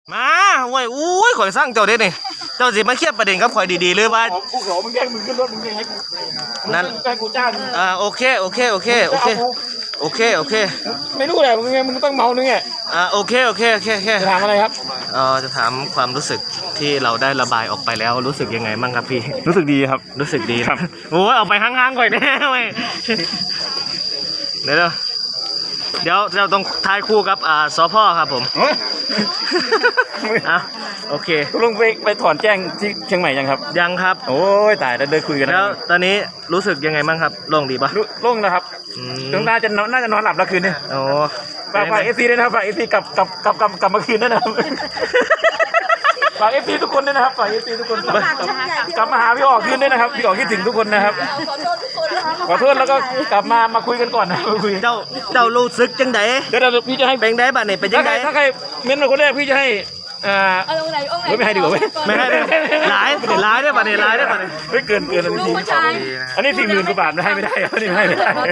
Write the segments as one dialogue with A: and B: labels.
A: มาเว้ยอุ้ยข่อยสร้างเจ้าเด็ดนี่เจ้าสิมาเคลียร์ประเด็นกับข่อยดีๆหรือว่า
B: กูขอมึงแย่งมึงขึ้นรถมึงแย่งให้กูนั่นให้กูจ้าง
A: โอเค
B: ไม่รู้แหละมึงต้องเมานึงไง
A: โอเค
B: จะถามอะไรครับ
A: จะถามความรู้สึกที่เราได้ระบายออกไปแล้วรู้สึกยังไงบ้างครับพี่
B: รู้สึกดีครับ
A: รู้สึกดีครับโอ้ยเอาไปห่างๆก่อนแน่เว้ยเดี๋ยวเราต้องทายคู่กับสพครับผมโอเค
B: ลุงไปถอนแจ้งที่เชียงใหม่ยังครับ
A: ยังครับ
B: โอ้ยตายแล้วเดินคุยกัน
A: แล้วตอนนี้รู้สึกยังไงบ้างครับโล่งดีปะ
B: โล่งนะครับน่าจะนอนหลับแล้วคืนนี้
A: โอ้
B: ฝากFCด้วยนะครับฝากFCกลับมาคืนด้วยนะครับฝาก FC ทุกคนด้วยนะครับฝาก FC ทุกคนกลับมาหาพี่ออกคืนด้วยนะครับพี่ออกคิดถึงทุกคนนะครับขอโทษแล้วก็กลับมาคุยกันก่อนนะคุย
A: เจ้ารู้สึกจังได
B: เดี๋ยวพี่จะให้
A: แบ่งได้บัดนี่เป็นยังไง
B: ถ้าใครเม้นมาคนแรกพี่จะให้ไม่ให้ดีกว่า
A: ไม่ให้หลายได้ป่ะเนี่ยหลายได้ป่ะเนี่ย
B: ไม่เกินอันนี้40,000 กว่าบาทให้ไม่ได้อันนี้ไม่ให้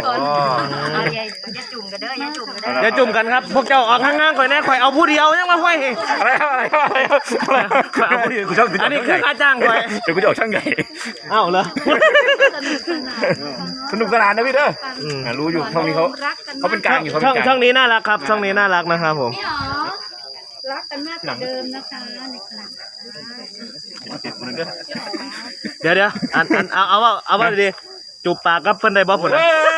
A: อย่าจุ่มกันครับพวกเจ้าออกข้างๆข่อยแน่ข่อยเอาผู้เดียวยังมาห้อย
B: อะไรเอาผู้เดียวกูชอบ
A: อันนี้คือค่าจ้างข่อย
B: เดี๋ยวกูจะออกช่างใหญ่
A: เอ้าเหรอ
B: สนุกสนานนะพี่เด้อรู้อยู่ช่องนี้เขาเป็นกลางอยู่
A: ช่องนี้น่ารักครับช่องนี้น่ารักนะครับผม
C: รักกันมากกว่าเดิมนะคะในครั้ง
A: เดี๋ยวเอาว่าดีจูบปากกับเพิ่นได้บ่ผล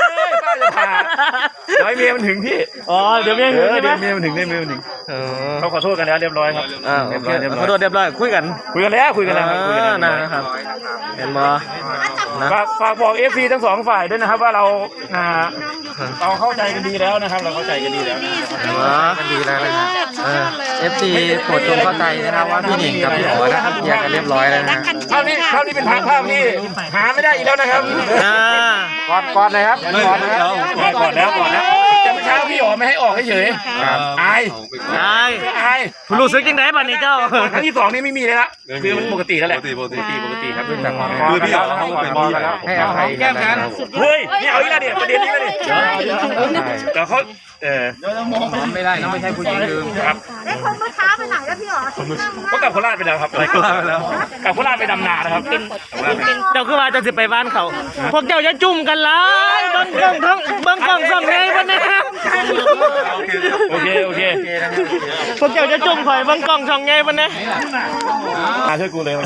B: ร้อยเมียมันถึงพี่
A: เดี๋ยวเมียถึงใช่ไหม
B: เมียมันถึงเขาขอโทษกันแล้วเรียบร้อยครับ
A: ขอโทษเรียบร้อยคุยกัน
B: แล้ว
A: นะครับเห็นบ่
B: ฝากบอก FC ทั้ง2ฝ่ายด้วยนะครับว่าเราเข้าใจกันดีแล้วนะครับเราเข้าใจกันดีแล้ว
A: กันดีแล้วนะครับ
D: FC โปรดจงเข้าใจนะครับว่าพี่หนิงกับพี่อ๋อนะครับแยกกันเรียบร้อยแล้วนะ
B: ภาพนี้เป็นภาพที่หาไม่ได้อีกแล้วนะครับ
D: ก่อนเลยครับ
B: ก่อนแล้วจะไม่ใช่พี่อ๋อไม่ให้ออกเฉยอาย
A: รู้สึกยังไงบ้างนี่เจ้า
B: ครั้งที่2นี่ไม่มีเลยละคือมันปกติแล้วแหละปกติครับ
D: คือพี่อ๋อให้อภัย
B: แก้มกันเฮ้ยนี่เอาอีกแล้วเนี่ยประเด็นนี้เลยแต่เขา
D: ไม่ได้ไม่ใช่ผู้หญิงลืม
B: ครับ
C: แล้วคนเมื่อเช้าไปไหนแล้วพี่อ๋อ
B: ก็กลับโคราชไปแล้วครับกลับโคราชไปดำนานะครับ
A: เจ้าคือว่าจะสิไปบ้านเขาพวกเจ้าจะจุ่มกันเลยเบิ้งกล้องส่องไงวันนี้
B: โอเค
A: พวกเจ้าจะจุ่มข่อยเบิ้งกล้องส่องไงวันนี้
B: ช่วยกูเลย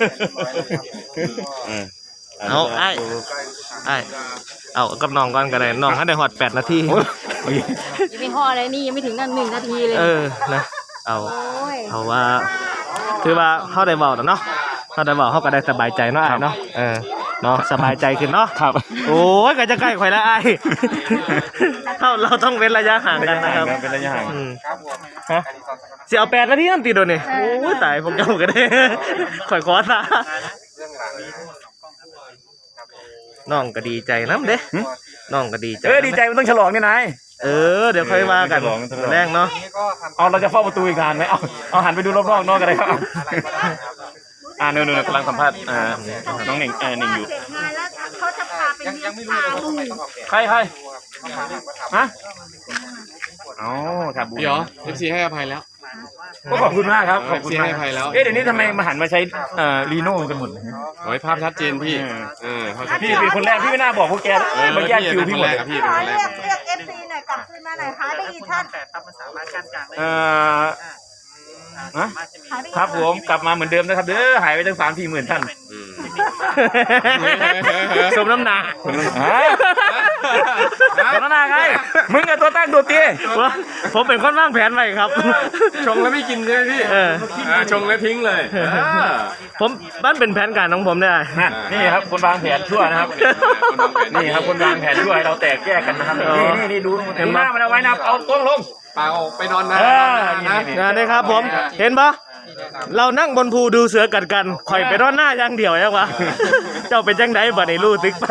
A: เอาเอากับน้องก่อนก็ได้น้องให้ได้หอด8 นาที
C: ยังไม่ห่ออะไรนี่ยังไม่ถึงนั่น1 นาทีเลย
A: นะเอาว่าคือว่าเขาได้บอกเนาะเขาได้บอกเขาก็ได้สบายใจเนาะเนาะเนาะสบายใจขึ้นเนาะ
B: ครับ
A: โอ้ยก็จะใกล้ข่อยแล้วเราต้องเว้นระยะห่างกันนะครับ
B: เป็นระยะห่าง
A: เสียเอา8 นาทีนั่นตีโดนนี่โอ้ยตายผมเจ้าก็ได้ข่อยขอซะน้องก็ดีใจน้ำเด้น้องก็ดีใจ
B: ดีใจมันต้องฉลองนี่นาย
A: เดี๋ยวค่อยมากันแรงเนาะ
B: เราจะเฝ้าประตูอีกนานไหมเอาหันไปดูรอบๆนอกกันเลยครับนู่นกำลังสัมภาษณ์น้องหนิงอยู่
C: เขาจะพาไปเลี้ยงปลาลูก
B: ใครฮะชาบู
D: เหรอ FC ให้อภัยแล้ว
B: ก็ขอบคุณมากครับ
D: ขอบคุณให้อภัยแล้ว
B: เดี๋ยวนี้ทำไมมาหันมาใช้รีโน่กันหมด
D: โอ้ยภาพชัดเจนพี่
B: พี่เป็นคนแรกพี่ไม่น่าบอกพวกแกมาแยกคิวพี่หมด
C: พี่เรียก FC หน่อยกลับคืนมาหน่อยหาได้กี่ท่านมันสามารถกันกลางได้
B: ครับผมกลับมาเหมือนเดิมนะครับหายไปตั้ง3-4 หมื่นท่าน
A: สมน้ำหนัก
B: ไงมึงกับตัวตั้งตัวตี
A: ผมเป็นคนวางแผนไว้ครับ
D: ชงแล้วไม่กินใช่ไหมพี่ชงแล้วทิ้งเลย
A: ผมบ้านเป็นแผนการของผมได้
B: นี่ครับคนวางแผนชั่วนะครับนี่ครับคนวางแผนชั่วให้เราแตกแยกกันนะครับนี่ดูหน้ามันเอาไว้นะเอาต้นลง
D: เปล่าไปนอนนะ
A: นี่ครับผมเห็นปะเรานั่งบนภูดูเสือกัดกันข่อยไปนอนหน้าอย่างเดียวยังวะเจ้าเป็นจังไดบ่ได้รู้ตึกไป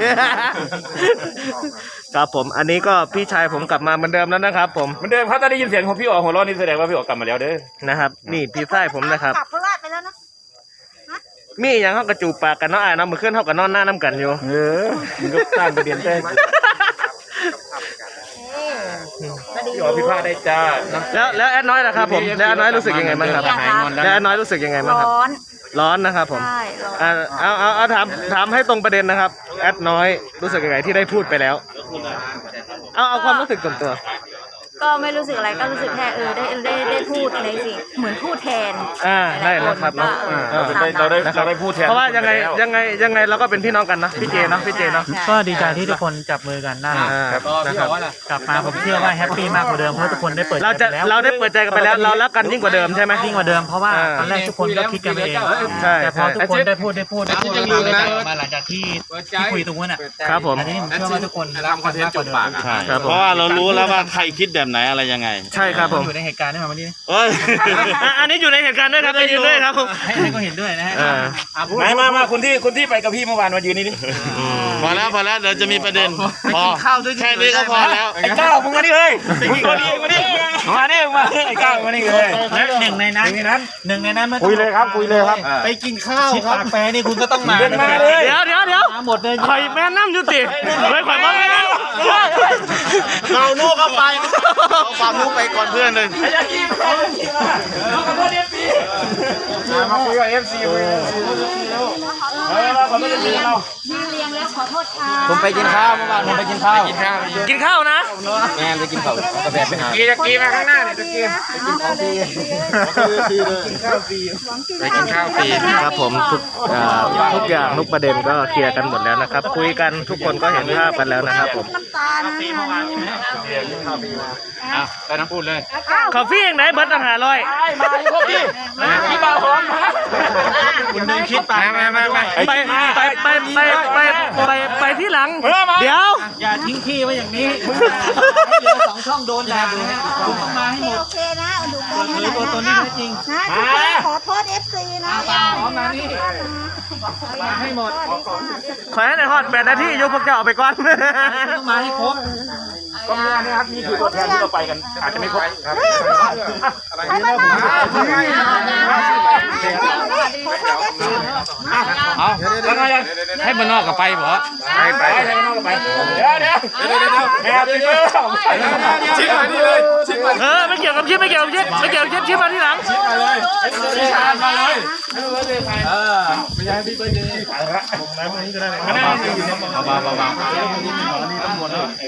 A: ครับผมอันนี้ก็พี่ชายผมกลับมาเหมือนเดิมแล้วนะครับผม
B: เหมือนเดิมครับถ้าได้ยินเสียงของพี่อ๋อหัวเราะนี่แสดงว่าพี่อ๋อกลับมาแล้ว
A: นะครับนี่พี่ชายผมนะครับ
C: กลับโคราชไปแล้วนะ
A: มีอย่างเขากระจูบปากกันเนาะน้ำมือขึ้นเขากับนอนหน้าน้ำกันอยู่
B: มันก็สร้างประเด็นได้
C: ก็ดี
B: พี่อ๋อผิดพลาดได้จ้า
A: แล้วแอดน้อยนะครับผมแล้วแอดน้อยรู้สึกยังไงบ้างครับ
B: หายงอนแล้ว
A: แล้วแอดน้อยรู้สึกยังไงบ้างครับ
C: ร้อน
A: ร้อนนะครับผม
C: ใช่ร้อน
A: เอาถามให้ตรงประเด็นนะครับแอดน้อยรู้สึกยังไงที่ได้พูดไปแล้วเอาความรู้สึกส่วนตัว
C: ก็ไม่รู้สึกอะไรก็รู้สึกแค่ได้พูดในสิ่งเหมือนพูดแทน
A: ได้นะครับเนาะ
B: เราได้พูดแทน
A: เพราะว่ายังไงเราก็เป็นพี่น้องกันเนาะพี่เจเนาะพี่เจเนาะ
D: ก็ดีใจที่ทุกคนจับมือกันน่ารัก
A: นะครับ
D: กลับมาผมเชื่อว่าแฮปปี้มากกว่าเดิมเพราะทุกคนได้เปิด
A: เราได้เปิดใจกันไปแล้วเรารักกันยิ่งกว่าเดิมใช่ไหม
D: ยิ่งกว่าเดิมเพราะว่าตอนแรกทุกคนก็คิดกันเอง
A: ใช่
D: แต่พอทุกคนได้พูดมาหลังจากที่คุยตรงนั้นอ่ะ
A: ครับผม
D: อันนี้ผมเชื่อว่าทุกคนทำคอนเทนต์จบปาก
A: ครับผม
E: เพราะว่าเรารู้แล้วว่าใครคิดแบบไหนอะไรยังไง
A: ใช่ครับผม
D: อยู่ในเหตุการณ์ได้มาวันนี้
E: เอ้ย
A: อันนี้อยู่ในเหตุการณ์ด้วยครับไปยืนด้วยครับผม
D: ให้ก็เห็นด้วยนะฮะ
B: มาคนที่ไปกับพี่เมื่อวานมายืนนี่ดิ
E: พอแล้วเดี๋ยวจะมีประเด็นพอแค่นี้ก็พอแล้ว
B: ไอ้ก้าวมึงมานี่เลยมึงมานี่มานี่มาไอ้ก้าวมานี่เลย
D: และหนึ่งในนั้น
B: คุยเลยครับ
D: ไปกินข้าวครับแปรนี่คุณก็ต้องมา
B: มาเลย
A: เดี๋ยว
D: มาหมดเลย
A: ข่อยแม่น้ำยุติข่อยมาแม่น้ำ
E: เราลูกเข้าไปเอาความลูกไปก่อนเพื่อนเลย
B: ไอ้ยากี้มาขอโทษ FC มาคุยกับ FC มาขอโทษ FC เรา
C: ยืนเรียงแล้วขอโทษค่ะ
D: ผมไปกินข้าวเมื่อวานผมไปกินข้าว
A: กินข้าวนะ
D: แม่ไปกินข้าวกาแฟไปหา
B: กีมาข้างหน้าเนี่ยตะกี้
D: ไปกินข้าวฟรี
A: ครับผมทุกอย่างทุกประเด็นก็เคลียร์กันหมดแล้วนะครับ คุยกันทุกคนก็เห็นภาพกันแล้วนะครับผม
C: น้ำตาลนะ
B: แต่น้ำพูดเลย
A: คอฟฟี่อย่างไหนเบิร์ตต่างหาร้อย
B: มาอยู่พวกพี่พี่บ่าวหอมมา
D: คุณนึงคิดไป
A: ไปที่หลัง เดี๋ยว
D: อย่าทิ้งพี่ไว้อย่างนี้เหลือ2 ช่องโดนด่าดูฮะคุณต้องมาให้หมด
C: โอเคนะดูกัน
D: หรือตัวตนที่แท้จริง
C: นะขอโทษ FC นะ
D: มานี่มาให้หมด
A: ขอให้ในฮอต8 นาทียกพวกเจ้าออกไปก่อน
D: ต้องมาให้ครบ
B: ก็มีอันนี้ครับนี่คือตัวแทนที่เราไปกันอาจจะไม่ครบครับ
C: ไปบ้านนอกขอโทษ FC
B: เอาแล้วไงให้มันนอกกับไปเหรอไปให้มันนอกกับไปเดี๋ยวแอบไปเลยชิมมานี่เลยชิมมา
A: ไม่เกี่ยวกับชิปชิปมาที่หลัง
B: พี่ชาญมาเลยไม่ใช่พี่เบิร์ดเดย์ขายละผมไหนพวกนี้ก็ได้เลยมานี่ตำรวจเลย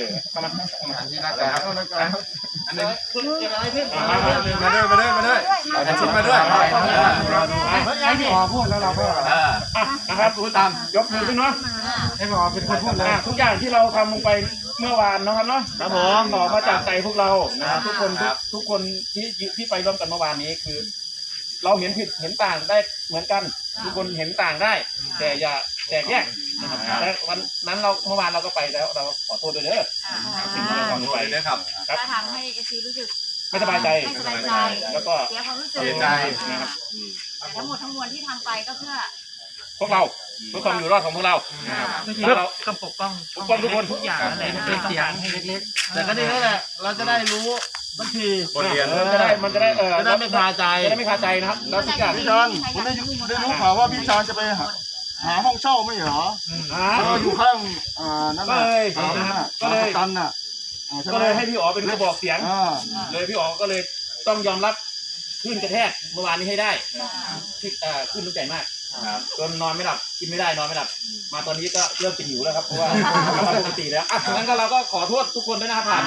B: มาด้วยให้พี่อ๋อพูดแล้วเราก็นะครับพูดตามยกมือขึ้นเนาะให้พี่อ๋อเป็นคนพูดเลยทุกอย่างที่เราทำลงไปเมื่อวานนะครับเนาะครับผมออกมาจากใจพวกเรานะครับทุกคนที่ไปร่วมกันเมื่อวานนี้คือ เราเห็นผิดเห็นต่างได้เหมือนกันทุกคนเห็นต่างได้ แต่อย่าแตกแยกนะครับและวันนั้นเมื่อวานเราก็ไปแล้วเราขอโทษด้วยเด้อสิ่งที่เราทำไปนะครับ
F: จะทำให้เอซีรู้สึก
B: ไม่สบายใจ
F: ไม่สบายใจ
B: แล้วก็
F: เสียความรู้สึก
B: เสียใจนะครับ
F: แต่ทั้งหมดทั้งมวลที่ทำไปก็เพื่อ
B: พวกเราเพื่อความอยู่รอดของพวกเรา
D: เพื่อก็ปกป้อง
B: ทุกคน
D: ทุกอย่างนั่นแหละเป็นเสียงให้เล็ก
E: แต่ก็ดีแล้วแหละเราจะได้รู้บางที
B: มันจะได้จะได้ไม่คาใจจะได้ไม่คาใจนะครับแล้วทุกอย่าง
E: พี่ชอนผมได้รู้ข่าวว่าพี่ชอนจะไปหาห้องเช่าไม่เหรออยู่ข้างนั่น
B: ก็
E: น่ะ
B: เลย
E: ตันน่ะ
B: ก็เลยให้พี่อ๋อเป็นกระบอกเสียงเลยพี่อ๋อก็เลยต้องยอมรับขึ้นกระแทกเมื่อวานนี้ให้ได้ที่ขึ้นตั้งใจมากจนนอนไม่หลับกินไม่ได้นอนไม่หลับมาตอนนี้ก็เริ่มกินหิวแล้วครับเพราะว่าปกติแล้วงั้นก็เราก็ขอโทษทุกคนด้วยนะครับผ่าน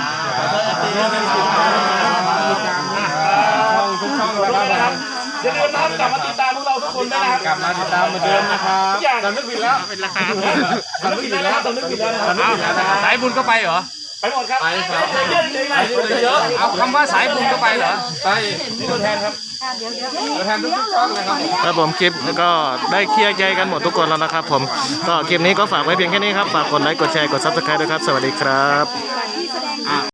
B: ช่องนะครับอย่าลืมนะครับกลับมาติดตามพวกเราทุกคนด้วยนะครับ
E: กลับมาติดตามเหมือนเดิมนะครับ
B: ทุกอย่าง
E: สำนึกผิดแล้ว
B: เป็นราคาสำนึกผิดแล้วนะครับสำนึกผิดแล้วนะครับ
D: สายบุญก็ไปเหรอ
B: ไปหมดครับไปเยอะ
D: เอาคำว่าสายบุญก็ไปเหรอ
B: ไปนี่ตัวแทนครับตัวแทนทุกช่องเลยครับ
A: ครับผมคลิปก็ได้เคลียร์ใจกันหมดทุกคนแล้วนะครับผมก็คลิปนี้ก็ฝากไว้เพียงแค่นี้ครับฝากกดไลค์กดแชร์กด Subscribe ด้วยครับสวัสดีครับ